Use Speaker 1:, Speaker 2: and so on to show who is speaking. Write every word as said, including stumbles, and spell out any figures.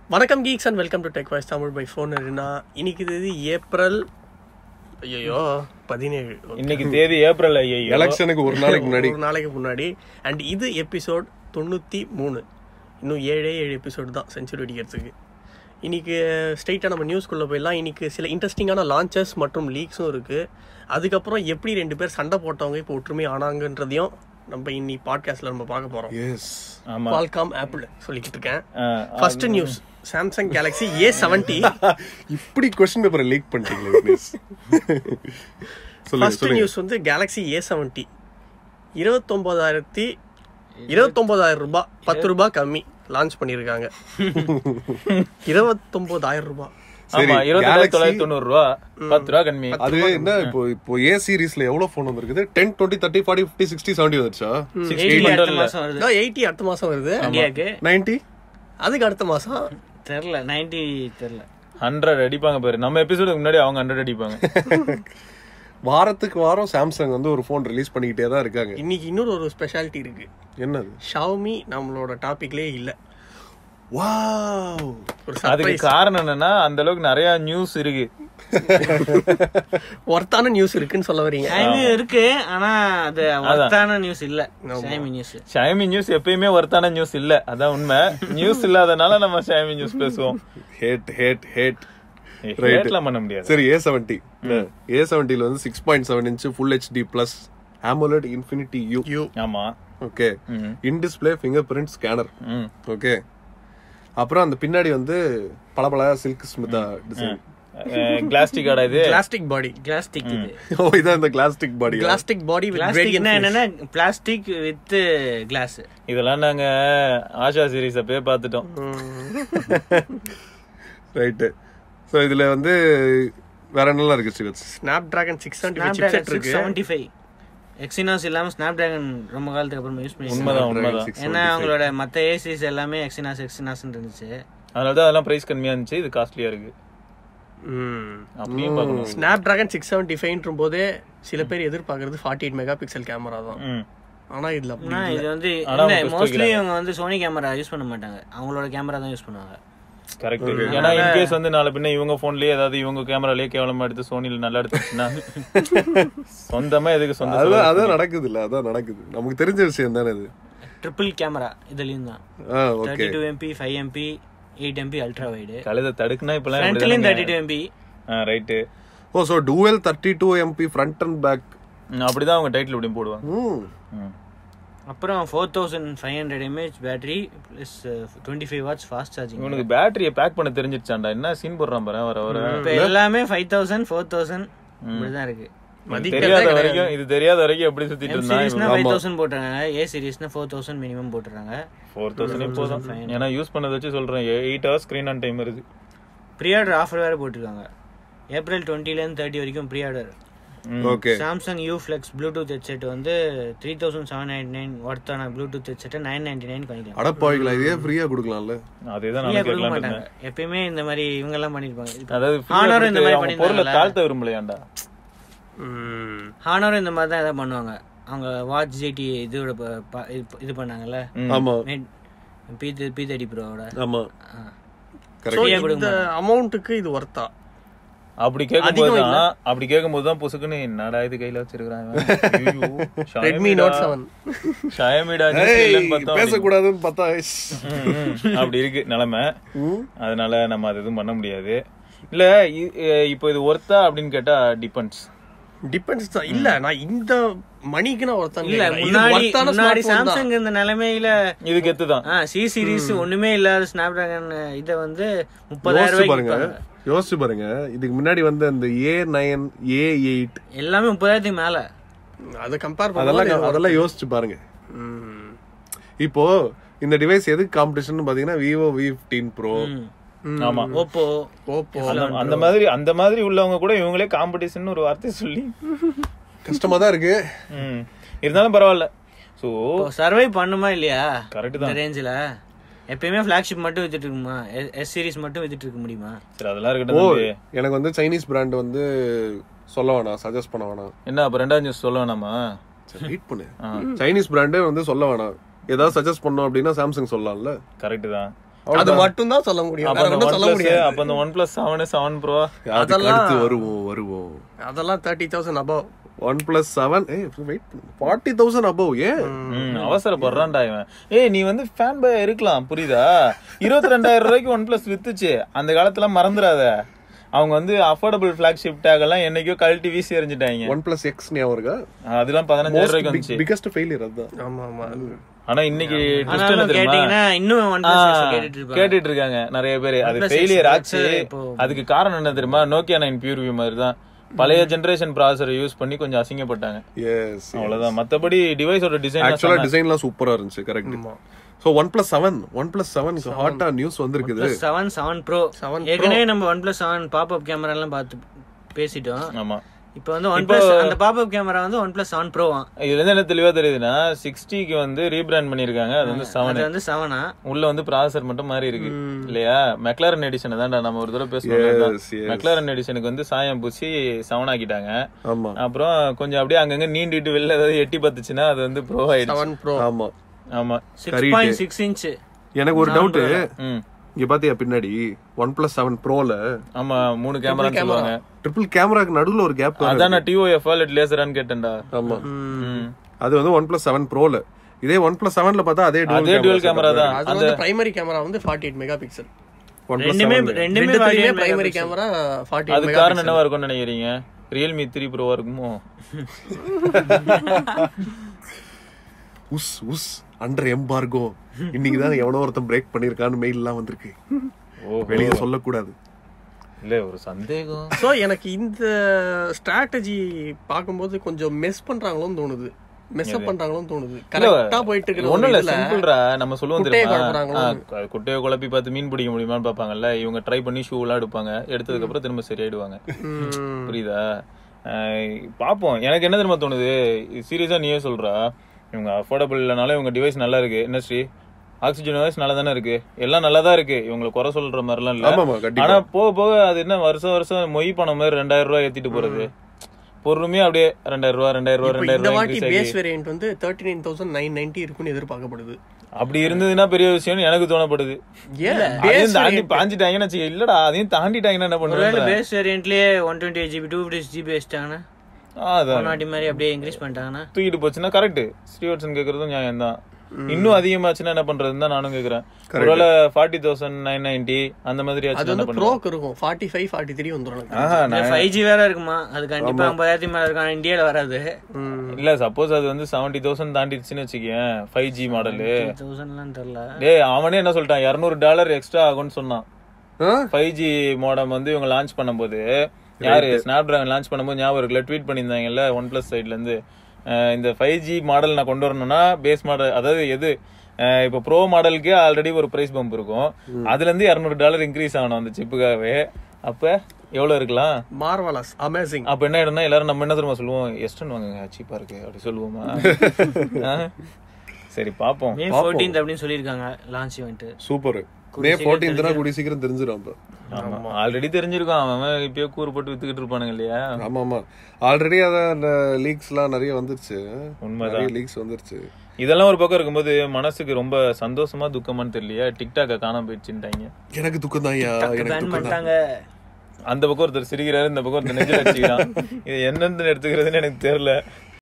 Speaker 1: வணக்கம் geeks and welcome to tech voice Tamil by phone. இன்னைக்கு தேதி ஏப்ரல் ஐயோ பதினேழு.
Speaker 2: இன்னைக்கு தேதி ஏப்ரல் ஐயோ
Speaker 3: எலெக்ஷனுக்கு ஒரு நாளைக்கு முன்னாடி
Speaker 1: ஒரு நாளைக்கு முன்னாடி அண்ட் இது எபிசோட் தொண்ணூற்றி மூணு. இன்னும் ஏழே ஏழு எபிசோடு தான் செஞ்சுரி அடிக்கிறதுக்கு. இன்றைக்கி ஸ்ட்ரெயிட்டாக நம்ம நியூஸ்குள்ளே போயிடலாம். இன்றைக்கி சில இன்ட்ரெஸ்டிங்கான லான்ச்சஸ் மற்றும் லீக்ஸும் இருக்குது. அதுக்கப்புறம் எப்படி ரெண்டு பேர் சண்டை போட்டவங்க இப்போ ஒற்றுமை ஆனாங்கன்றதையும் நம்ம இன்னி பாட்காஸ்ட்ல நம்ம பார்க்க போறோம்.
Speaker 3: எஸ்
Speaker 2: ஆமா,
Speaker 1: Qualcomm ஆப்பிள் சொல்லிக்கிட்டு இருக்கேன். First news Samsung Galaxy A seventy.
Speaker 3: இப்படி क्वेश्चन பேப்பரை லீக் பண்ணிட்டீங்களே விக்னேஷ்.
Speaker 1: ஃபர்ஸ்ட் நியூஸ் வந்து கேலக்ஸி ஏ செவன்டி இருபத்தொன்பதாயிரத்தி இருபத்தொன்பதாயிரம் ரூபாய் பத்து ரூபாய் கம்மி லான்ச் பண்ணியிருக்காங்க. இருபத்தொன்பதாயிரம் ரூபாய்.
Speaker 2: ஆமா, இருபத்தி தொள்ளாயிரத்தி தொண்ணூறு ரூபா பத்து ரூபா கம்மி.
Speaker 3: அது என்ன இப்போ இப்போ ஏ சீரிஸ்ல எவ்வளவு போன் வந்திருக்குது? Ten twenty thirty forty fifty sixty seventy வந்துச்சா?
Speaker 1: எயிட்டி அடுத்த மாசம் வருது.
Speaker 3: நைன்டி
Speaker 1: அதுக்கு அடுத்த மாசம்
Speaker 4: தெரியல. நைன்டி தெரியல.
Speaker 2: ஹண்ட்ரட் அடிப்பாங்க பாரு. நம்ம எபிசோடுக்கு முன்னாடி அவங்க ஹண்ட்ரட் அடிப்பாங்க.
Speaker 3: வாரத்துக்கு வாரம் சாம்சங் வந்து ஒரு போன் ரிலீஸ் பண்ணிக்கிட்டே தான் இருக்காங்க.
Speaker 1: இன்னைக்கு இன்னொரு ஒரு ஸ்பெஷாலிட்டி இருக்கு.
Speaker 3: என்னது?
Speaker 1: ஷாமி நம்மளோட டாபிக்லயே இல்ல.
Speaker 3: வாவ்,
Speaker 2: அதுக்கு காரணம் என்னன்னா அந்த அளவுக்கு நிறைய நியூஸ் இருக்கு.
Speaker 1: ஒர்த்தான நியூஸ் இருக்குன்னு சொல்ல வரீங்க?
Speaker 4: இருக்கு, ஆனா அது ஒர்த்தான நியூஸ் இல்ல. ஷாமி நியூஸ்
Speaker 2: ஷாமி நியூஸ் எப்பயுமே ஒர்த்தான நியூஸ் இல்ல, அதான் உண்மை. நியூஸ் இல்லாதனால நம்ம ஷாமி நியூஸ் பேசுவோம்.
Speaker 3: ஹேட் ஹேட் ஹேட்
Speaker 2: ரேட்லாம் பண்ண முடியாது.
Speaker 3: சரி, ஏ செவன்டி ஏ செவன்டில வந்து six point seven inch full HD plus AMOLED Infinity U.
Speaker 2: ஆமா,
Speaker 3: okay. In display fingerprint scanner. Okay. அப்புறம் அந்த பின்னாடி வந்து பளபள சில்க் ஸ்மிதா டிசைன்.
Speaker 2: கிளாஸ்டிக் ஆடா இது?
Speaker 1: Glastic body.
Speaker 4: கிளாஸ்டிக் இது.
Speaker 3: ஓ, இதான் இந்த glastic body.
Speaker 1: Glastic body with
Speaker 4: gradient. என்னன்னா பிளாஸ்டிக் வித் கிளாஸ்.
Speaker 2: இதெல்லாம் நாங்க ஆஷா சீரிஸ் அப்பவே பார்த்துட்டோம்.
Speaker 3: ரைட். சோ இதுல வந்து வேற என்னலாம் இருக்கு Srivats?
Speaker 1: Snapdragon six seventy five chipset இருக்கு.
Speaker 4: செவன்டி ஃபைவ் எக்ஸினாஸ் இல்லாம ஸ்னாப்டிராகன் ரொம்ப காலத்துக்கு அப்புறம் யூஸ் பண்ணி.
Speaker 2: உண்மைதான் உண்மைதான்.
Speaker 4: ஏன்னா அவங்களோட மத்த ஏசிஸ் எல்லாமே எக்ஸினாஸ் எக்ஸினாஸ் இருந்துச்சு.
Speaker 2: அதனாலதான் அதெல்லாம் பிரைஸ் கம்மியா இருந்துச்சு. இது காஸ்ட்லியா இருக்கு. அப்படியும் பார்க்கணும்.
Speaker 1: Snapdragon சிக்ஸ் செவன்டி ஃபைவ்ன்ற போதே சில பேர் எதிர்பார்க்கறது forty eight megapixel camera தான். ஆனா இதுல
Speaker 4: இது வந்து மோஸ்ட்லி அவங்க வந்து சோனி கேமரா யூஸ் பண்ண மாட்டாங்க, அவங்களோட கேமரா தான் யூஸ் பண்ணுவாங்க.
Speaker 2: கரெக்ட். ஏன்னா இன்கேஸ் வந்து நாளை பின்ன இவங்க போன்லயே ஏதாவது இவங்க கேமராலயே கேவலமா எடுத்து சோனில நல்லா எடுத்துச்சுன்னா சொந்தமா எதுக்கு சொந்த?
Speaker 3: அதான் நடக்குது இல்ல, அதான் நடக்குது. நமக்கு தெரிஞ்ச விஷயம் தானே இது.
Speaker 4: ட்ரிபிள் கேமரா இதுலயும் தான். Thirty two MP five MP eight MP ultra wide.
Speaker 2: கழுத தடுக்குனா இப்பலாம்
Speaker 4: ஃப்ரண்ட்லயும் thirty two MP.
Speaker 2: Right.
Speaker 3: Oh, so dual thirty two MP front and back.
Speaker 2: அப்படிதான் அவங்க டைட்டில் இப்படி போடுவாங்க.
Speaker 4: அப்புறம் four thousand five hundred mAh battery plus twenty five watts fast charging.
Speaker 2: உனக்கு பேட்டரியை பேக் பண்ண தெரிஞ்சிருச்சாண்டா? என்ன சீன் போடுறான் பாரு வர வர.
Speaker 4: இப்போ எல்லாமே ஃபைவ் தௌசண்ட் ஃபோர் தௌசண்ட் இப்படிதான் இருக்கு.
Speaker 2: தெரியாத வரைக்கும் இது தெரியாத வரைக்கும் எப்படி சுத்திட்டு இருந்தாங்க.
Speaker 4: ஃபைவ் தௌசண்ட் போட்டுறாங்க, ஏ சீரிஸ்னா ஃபோர் தௌசண்ட் மினிமம் போட்டுறாங்க.
Speaker 2: ஃபோர் தௌசண்ட் போதும். ஏன்னா யூஸ் பண்ணதை வச்சு சொல்றேன். Eight hours screen on time இருக்கு.
Speaker 4: ப்ரீ ஆர்டர் ஆஃபர் வேற போட்டிருக்காங்க. ஏப்ரல் டுவெண்ட்டில இருந்து தேர்ட்டி வரைக்கும் pre order.
Speaker 3: Okay.
Speaker 4: Samsung U Flex Bluetooth headset வந்து three thousand seven ninety nine ஒர்த்தான ப்ளூடூத் ஹெட்செட்டை நைன் நைன்டி நைன் பண்ணிக்கலாம்.
Speaker 3: அடப்பாவிங்களா, இதே ஃப்ரீயா கொடுக்கலாம்ல?
Speaker 2: அதேதான் நான்
Speaker 4: கொடுக்க மாட்டாங்க. எப்பயுமே இந்த மாதிரி இவங்க எல்லாம் பண்ணிருப்பாங்க.
Speaker 2: அதாவது
Speaker 4: ஹானரும் இந்த மாதிரி பண்ணிருப்பாங்க.
Speaker 2: பொருளை தாழ்த்த விரும்பலையாண்டா.
Speaker 4: ஹானரும் இந்த மாதிரி தான் ஏதாவது பண்ணுவாங்க. அவங்க வாட்ச் ஜிடி இதோட இது பண்ணாங்கல்ல.
Speaker 3: ஆமா,
Speaker 4: பி பி தேர்ட்டி ப்ரோவோட.
Speaker 3: ஆமா,
Speaker 1: கரெக்ட். இந்த அமௌண்ட்டுக்கு இது வர்த்தா?
Speaker 2: அப்படி கேட்கும்போது தான் அப்படி கேட்கும்போது தான் புசுக்குன்னு என்னடா இது கையில வச்சிருக்காங்க.
Speaker 1: ரெட்மி நோட் செவன்
Speaker 2: ஷாயமிடா
Speaker 3: பேசக்கூடாதுன்னு பார்த்தா
Speaker 2: அப்படி இருக்கு நிலைமை. அதனால நம்ம அது எதுவும் பண்ண முடியாது. இல்ல இப்போ இது ஒர்த்தா அப்படின்னு கேட்டா டிபெண்ட்ஸ்.
Speaker 1: டிபெண்ட்ஸ் தான். இல்ல நான் இந்த மணிக்கு நான் ஒருத்தன்
Speaker 4: இல்ல. முன்னாடி முன்னாடி சாம்சங் இந்த நிலைமையில
Speaker 2: இது கெத்து தான்.
Speaker 4: சி சீரிஸ் ஒண்ணுமே இல்லாத ஸ்னாப்டிராகன் இத வந்து முப்பதாயிரம் ரூபாய்க்கு
Speaker 3: யோசிச்சு பாருங்க. இதுக்கு முன்னாடி வந்து அந்த ஏ நைன் ஏ எயிட்
Speaker 4: எல்லாமே முப்பதாயிரத்துக்கு மேல.
Speaker 1: அதை கம்பேர்
Speaker 3: அதெல்லாம் அதெல்லாம் யோசிச்சு பாருங்க. இப்போ இந்த டிவைஸ் எதுக்கு காம்படிஷன் பாத்தீங்கன்னா விவோ வி ஃபிஃப்டீன் ப்ரோ.
Speaker 2: ஆமா,
Speaker 4: ஓப்போ
Speaker 1: ஓப்போ
Speaker 2: அந்த மாதிரி அந்த மாதிரி உள்ளவங்க கூட இவங்களே காம்படிஷன் ஒரு வார்த்தை சொல்லி
Speaker 3: கஷ்டமா தான் இருக்கு.
Speaker 2: இருந்தாலும் பரவாயில்ல. சோ
Speaker 4: சர்வை பண்ணுமா இல்லையா?
Speaker 2: கரெக்ட் தான்.
Speaker 4: ரேஞ்சில எப்பயுமே ஃபிளாக்ஷிப் மட்டும் வித்துட்டு இருக்குமா? எஸ் சீரிஸ் மட்டும் வித்துட்டு இருக்க முடியுமா?
Speaker 2: சரி, அதெல்லாம் இருக்கட்டும்.
Speaker 3: எனக்கு வந்து சைனீஸ் பிராண்ட் வந்து சொல்ல வேணாம், சஜஸ்ட் பண்ண வேணாம்.
Speaker 2: என்ன அப்ப ரெண்டாவது நியூஸ் சொல்ல வேணாமா?
Speaker 3: சரி, வெயிட் பண்ணு. சைனீஸ் பிராண்டே வந்து சொல்ல வேணாம். ஏதாவது சஜஸ்ட் பண்ணோம் அப்படின்னா சாம்சங் சொல்லலாம்ல.
Speaker 2: கரெக்ட் தான்.
Speaker 1: அது மட்டும் தான் சொல்ல முடியும்,
Speaker 2: அப்ப
Speaker 1: வேற
Speaker 2: அந்த
Speaker 1: ஒண்ணும் சொல்ல
Speaker 2: OnePlus,
Speaker 1: முடியாது.
Speaker 2: அப்ப அந்த OnePlus seven seven Pro
Speaker 3: அதுக்கு
Speaker 1: அதெல்லாம்
Speaker 3: அடுத்து வருவோம் வருவோம்
Speaker 1: அதெல்லாம் thirty thousand above.
Speaker 3: OnePlus seven A wait forty thousand above. ஏன்
Speaker 2: ம், அவசரப்படுறான்டா இவன். ஏய் நீ வந்து ஃபேன் பாய் இருக்கலாம் புரியுதா? இருபத்தி ரெண்டாயிரம் ரூபாய்க்கு ஒன் பிளஸ் வித்துச்சு அந்த காலத்துல, மறந்துடாத. அவங்க வந்து அஃபோர்டபுள் ஃபிளாக்ஷிப் டேக் எல்லாம் என்னைக்கோ கழட்டி வீசி எறிஞ்சிட்டாங்க.
Speaker 3: ஒன் பிளஸ் எக்ஸ் ஞாபகம் இருக்கா?
Speaker 2: அதெல்லாம் பதினஞ்சாயிரம் ரூபாய்க்கு வந்துச்சு.
Speaker 3: பிகெஸ்ட் ஃபெயிலியர் அதுதான்.
Speaker 1: ஆமா ஆமா.
Speaker 2: ஆனா இன்னைக்கு twist என்ன
Speaker 4: ஆனாலும்
Speaker 2: தெரியுமா?
Speaker 4: கேட்டீங்கன்னா இன்னும் OnePlus கேட்டுட்டு இருப்பாங்க.
Speaker 2: கேட்டுட்டு இருக்காங்க நிறைய பேர். அது
Speaker 4: OnePlus
Speaker 2: ஃபெயிலியர்
Speaker 4: X
Speaker 2: ஆச்சு.
Speaker 4: இப்போ
Speaker 2: அதுக்கு காரணம் என்ன தெரியுமா? நோக்கியா நைன் பியூர் வியூ மாதிரி தான், பழைய ஜெனரேஷன் ப்ராசஸரை யூஸ் பண்ணி கொஞ்சம் அசிங்கப்பட்டாங்க.
Speaker 3: எஸ்
Speaker 2: அவ்வளவுதான். மத்தபடி டிவைஸோட டிசைன்
Speaker 3: ஆக்சுவலா டிசைன்லாம் சூப்பரா இருந்துச்சு. Correct. So OnePlus seven OnePlus seven ஹாட்டா நியூஸ் வந்திருக்குது.
Speaker 4: செவன் செவன் ப்ரோ
Speaker 1: செவன்
Speaker 4: ஏற்கனவே நம்ம OnePlus செவன் பாப்அப் கேமரா எல்லாம் பார்த்து பேசிட்டோம்.
Speaker 2: ஆமா.
Speaker 4: இப்போ வந்து OnePlus அந்த பாப்அப் கேமரா வந்து OnePlus செவன் ப்ரோ.
Speaker 2: இதுல இருந்து என்ன தெளிவா தெரியுதுன்னா சிக்ஸ்டிக்கு வந்து ரீபிராண்ட் பண்ணிருக்காங்க. அது வந்து செவன்
Speaker 4: அது வந்து செவனா
Speaker 2: உள்ள வந்து ப்ராசஸர் மட்டும் மாறி இருக்கு இல்லையா? மெக்லாரன் எடிஷன் தான்டா நம்ம ஒரு தடவை பேசுவோம்.
Speaker 3: Yes, yes.
Speaker 2: மெக்லாரன் எடிஷனுக்கு வந்து சாயம் பூசி செவன் ஆக்கிட்டாங்க.
Speaker 3: ஆமா
Speaker 2: அப்புறம் கொஞ்சம் அப்படியே அங்கங்க நீண்டிட்டு வெளில ஏதாவது எட்டி பார்த்துச்சுன்னா அது வந்து ப்ரோ ஆயிடுச்சு.
Speaker 1: Seven pro.
Speaker 3: ஆமா.
Speaker 2: ஆமா.
Speaker 4: Six point six inch.
Speaker 3: எனக்கு ஒரு டவுட்.
Speaker 2: ம்.
Speaker 3: இங்க பாத்தியா பின்னாடி ஒன் பிளஸ் செவன் ப்ரோல
Speaker 2: ஆமா மூணு கேமரான்னு சொல்லுவாங்க.
Speaker 3: ட்ரிபிள் கேமராக்கு நடுவுல ஒரு கேப்.
Speaker 2: அதான் நான் டிஓஎஃப் இல்ல லேசரான்னு கேட்டேன்டா.
Speaker 3: ஆமா.
Speaker 2: ம்.
Speaker 3: அது வந்து ஒன் பிளஸ் செவன் ப்ரோல. இதே ஒன் பிளஸ் செவன்ல பார்த்தா அதே
Speaker 2: அதே டுவல் கேமரா தான்.
Speaker 1: அது வந்து பிரைமரி கேமரா வந்து ஃபார்ட்டி எயிட் மெகா பிக்சல்.
Speaker 4: ரெண்டுமே ரெண்டுமே
Speaker 1: பிரைமரி கேமரா ஃபார்ட்டி
Speaker 2: அது காரணம் என்னவா இருக்கும்னு நினைக்கிறீங்க? ரியல்மி த்ரீ ப்ரோவா இருக்குமோ?
Speaker 3: உஸ் உஸ் அண்டர் எம்பார்கோ. இன்னைக்கு தான் எவனோ ஒருத்தன் பிரேக் பண்ணிருக்கான்னு மெயில் எல்லாம் வந்திருக்கு. வெளியே சொல்லக்கூடாது.
Speaker 2: இல்ல ஒரு சந்தேகம்.
Speaker 1: சோ எனக்கு இந்த ஸ்ட்ராட்டஜி பாக்கும்போது கொஞ்சம் மெஸ் பண்றாங்களோன்னு தோணுது. மெஸ் அப் பண்றாங்களோன்னு தோணுது. கரெக்ட்டா போயிட்டு இருக்கு.
Speaker 2: ஒண்ணும் இல்ல, சிம்பிள்ரா. நம்ம சொல்லுவோம் தெரியுமா,
Speaker 1: குட்டையை
Speaker 2: குட்டையை குழப்பி பார்த்து மீன் பிடிக்க முடியுமான்னு பாப்பாங்கல்ல. இவங்க ட்ரை பண்ணி ஷூ எல்லாம் எடுப்பாங்க. எடுத்ததுக்கு அப்புறம் திரும்ப சரியாயிடுவாங்க. புரியுதா? பாப்போம். எனக்கு என்ன தெரியுமா தோணுது, சீரியஸா நீயே சொல்றா, இவங்க அஃபோர்டபுள் இல்லனாலும் இவங்க டிவைஸ் நல்லா இருக்கு. என்ன ஸ்ரீ, ஆக்சிஜன் டிவைஸ் நல்லா தானே இருக்கு, எல்லாம் நல்லா தான் இருக்கு. இவங்களை குறை சொல்ற மாதிரிலாம் இல்ல. ஆனா போக போக அது என்ன வருஷம் வருஷம் மொய் பணம் மாதிரி ரெண்டாயிரம் ரூபாய் ஏத்திட்டு போறது. பொறுமையா அப்படியே ரெண்டாயிரம் ரூபாய் ரெண்டாயிரம் ரூபாய் ரெண்டாயிரம் ரூபாய்.
Speaker 1: பேஸ் வேரியன்ட் வந்து thirty nine thousand nine ninety இருக்குன்னு எதிர்பார்க்கப்படுது.
Speaker 2: அப்படி இருந்ததுன்னா பெரிய விஷயம்னு எனக்கு தோணப்படுது. தாண்டி பாஞ்சிட்டாங்கன்னு வச்சுக்க. இல்லடா அதையும் தாண்டிட்டாங்கன்னா என்ன பண்ணுவாங்க?
Speaker 4: பேஸ் வேரியன்ட்லயே one twenty eight GB two fifty GB வச்சிட்டாங்கன்னா அதான் மாதிரி அப்படியே இன்க்ரீஸ் பண்ணிட்டாங்கன்னா
Speaker 2: தூக்கிட்டு போச்சுன்னா கரெக்ட். ஸ்ரீவர்சன் கேக்குறதும் நியாயம் தான். இன்னும் அதிகமாச்சுன்னா என்ன பண்றதுன்னு தான் நானும் கேக்குறேன். ஒருவேளை ஃபார்ட்டி தௌசண்ட் நைன் நைன்டி அந்த மாதிரி
Speaker 1: ப்ரோக்கு இருக்கும். ஃபார்ட்டி ஃபைவ் ஃபார்ட்டி த்ரீ வந்துடும்.
Speaker 4: ஃபைவ் ஜி வேற இருக்குமா? அது கண்டிப்பா ஐம்பதாயிரத்தி மேல இருக்கும். இந்தியால வராது.
Speaker 2: இல்ல சப்போஸ் அது வந்து செவன்டி தௌசண்ட் தாண்டிடுச்சுன்னு வச்சுக்கேன் ஃபைவ் ஜி மாடலு.
Speaker 4: தௌசண்ட்லாம் தெரியல.
Speaker 2: டேய் அவனே என்ன சொல்லிட்டான், இருநூறு டாலர் எக்ஸ்ட்ரா ஆகும்னு சொன்னான். ஃபைவ் ஜி மாடம் வந்து இவங்க லான்ச் பண்ணும்போது, யாரு ஸ்னாப் டிராகன் லான்ச் பண்ணும்போது ஞாபகம் இருக்குல்ல, ட்வீட் பண்ணியிருந்தாங்கல்ல ஒன் பிளஸ் சைட்ல இருந்து, இந்த ஃபைவ் ஜி மாடல் நான் கொண்டு வரணும்னா பேஸ் மாடல், அதாவது எது இப்போ ப்ரோ மாடலுக்கு ஆல்ரெடி ஒரு பிரைஸ் பம்ப் இருக்கும், அதுல இருந்து இருநூறு டாலர் இன்க்ரீஸ் ஆகணும் அந்த சிப்புக்காகவே. அப்ப எவ்வளவு இருக்கலாம்?
Speaker 1: Marvellous, amazing.
Speaker 2: அப்ப என்ன ஆயிடும்னா எல்லாரும் நம்ம என்ன தெரியுமா சொல்லுவோம், எஸ்டன் வாங்குங்க சீப்பா இருக்கு அப்படி சொல்லுவோமா? சரி பாப்போம்.
Speaker 4: மே பதினான்காம் அப்படின்னு சொல்லிருக்காங்க லான்ச் ஈவென்ட்.
Speaker 3: சூப்பர். மே பதினான்காம் கூடி சீக்கிரம் தெரிஞ்சிரும்.
Speaker 2: ஆமா ஆல்ரெடி தெரிஞ்சிருக்கும். அவன் இப்பயே கூறு போட்டு வித்துக்கிட்டு இருப்பானுங்க இல்லையா?
Speaker 3: ஆமா ஆமா ஆல்ரெடி அதான் அந்த லீக்ஸ் எல்லாம் நிறைய வந்துருச்சு.
Speaker 2: உண்மைதான்,
Speaker 3: லீக்ஸ் வந்துருச்சு.
Speaker 2: இதெல்லாம் ஒரு பக்கம் இருக்கும்போது மனசுக்கு ரொம்ப சந்தோஷமா துக்கமான்னு தெரியலையா, டிக்டாக்க காணாம போயிடுச்சுட்டாங்க.
Speaker 3: எனக்கு துக்கம் தான்.
Speaker 2: அந்த பக்கம் ஒருத்தர் சிரிக்கிறாரு, இந்த பக்கம் ஒருத்தர் நெஞ்சில் அடிச்சுக்கிறான். இது என்னன்னு எடுத்துக்கிறதுன்னு எனக்கு தெரியல.